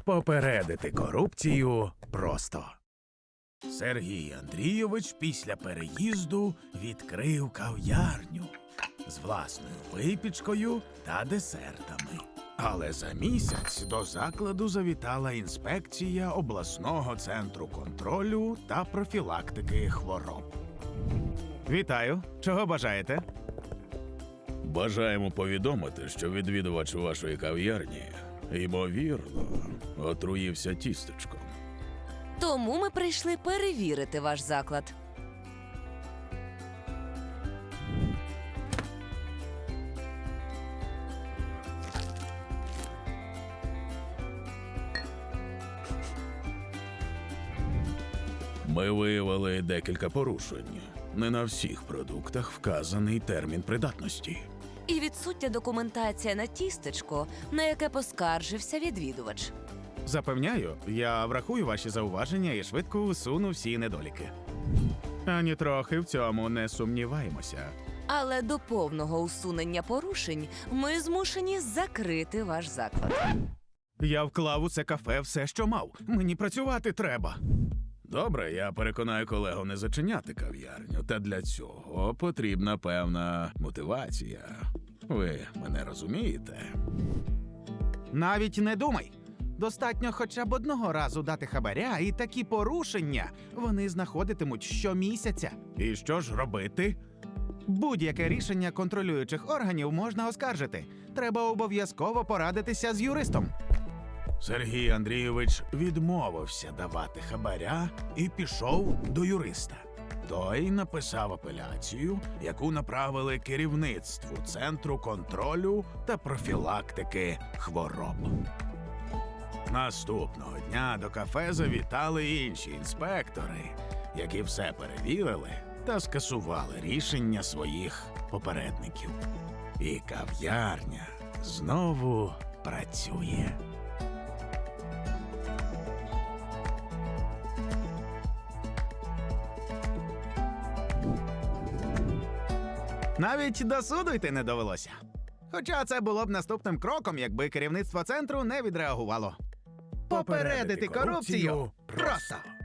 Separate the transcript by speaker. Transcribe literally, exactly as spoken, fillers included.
Speaker 1: Попередити корупцію просто. Сергій Андрійович після переїзду відкрив кав'ярню з власною випічкою та десертами. Але за місяць до закладу завітала інспекція обласного центру контролю та профілактики хвороб. Вітаю! Чого бажаєте?
Speaker 2: Бажаємо повідомити, що відвідувач вашої кав'ярні, ймовірно, отруївся тістечком.
Speaker 3: Тому ми прийшли перевірити ваш заклад.
Speaker 2: Ми виявили декілька порушень. Не на всіх продуктах вказаний термін придатності.
Speaker 3: І відсутня документація на тістечко, на яке поскаржився відвідувач.
Speaker 1: Запевняю, я врахую ваші зауваження і швидко усуну всі недоліки. Ані трохи в цьому не сумніваємося.
Speaker 3: Але до повного усунення порушень ми змушені закрити ваш заклад.
Speaker 1: Я вклав у це кафе все, що мав. Мені працювати треба.
Speaker 2: Добре, я переконаю колегу не зачиняти кав'ярню, та для цього потрібна певна мотивація. Ви мене розумієте?
Speaker 1: Навіть не думай. Достатньо хоча б одного разу дати хабаря, і такі порушення вони знаходитимуть щомісяця. І що ж робити? Будь-яке рішення контролюючих органів можна оскаржити. Треба обов'язково порадитися з юристом. Сергій Андрійович відмовився давати хабаря і пішов до юриста. Той написав апеляцію, яку направили керівництву Центру контролю та профілактики хвороб. Наступного дня до кафе завітали інші інспектори, які все перевірили та скасували рішення своїх попередників. І кав'ярня знову працює. Навіть до суду йти не довелося. Хоча це було б наступним кроком, якби керівництво центру не відреагувало. Попередити корупцію просто!